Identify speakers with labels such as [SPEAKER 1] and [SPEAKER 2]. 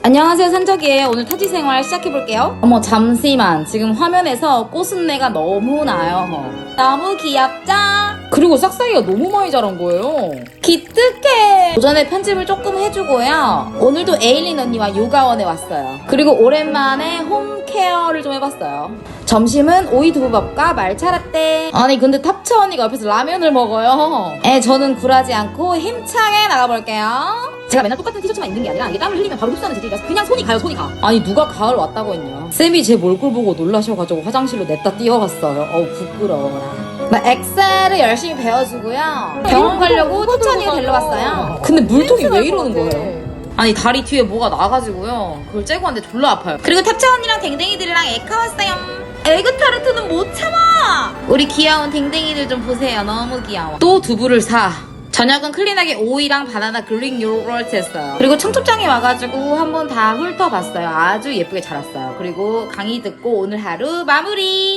[SPEAKER 1] 안녕하세요, 산적이에요. 오늘 타지 생활 시작해볼게요. 어머, 잠시만. 지금 화면에서 꽃순내가 너무 나요. 너무 귀엽죠? 그리고 싹싹이가 너무 많이 자란 거예요. 기특해. 오전에 편집을 조금 해주고요. 오늘도 에일린 언니와 요가원에 왔어요. 그리고 오랜만에 홈케어를 좀 해봤어요. 점심은 오이 두부밥과 말차 라떼. 아니 근데 탑차 언니가 옆에서 라면을 먹어요. 저는 굴하지 않고 힘차게 나가볼게요. 제가 맨날 똑같은 티셔츠만 입는 게 아니라 이게 땀을 흘리면 바로 흡수하는 재질이라서 그냥 손이 가요, 손이 가. 아니 누가 가을 왔다고 했냐. 쌤이 제 몰골 보고 놀라셔가지고 화장실로 냈다 뛰어갔어요. 어우 부끄러워라. 나 엑셀을 열심히 배워주고요. 병원 가려고 투천이가 데려왔어요. 근데 물통이 왜 이러는 거예요? 아니 다리 뒤에 뭐가 나가지고요. 그걸 째고 왔는데 졸라 아파요. 그리고 탑차 언니랑 댕댕이들이랑 에카 왔어요. 에그 타르트는 못 참아. 우리 귀여운 댕댕이들 좀 보세요. 너무 귀여워. 또 두부를 사. 저녁은 클린하게 오이랑 바나나 그릭 요거트 했어요. 그리고 청첩장에 와가지고 한번 다 훑어봤어요. 아주 예쁘게 자랐어요. 그리고 강의 듣고 오늘 하루 마무리.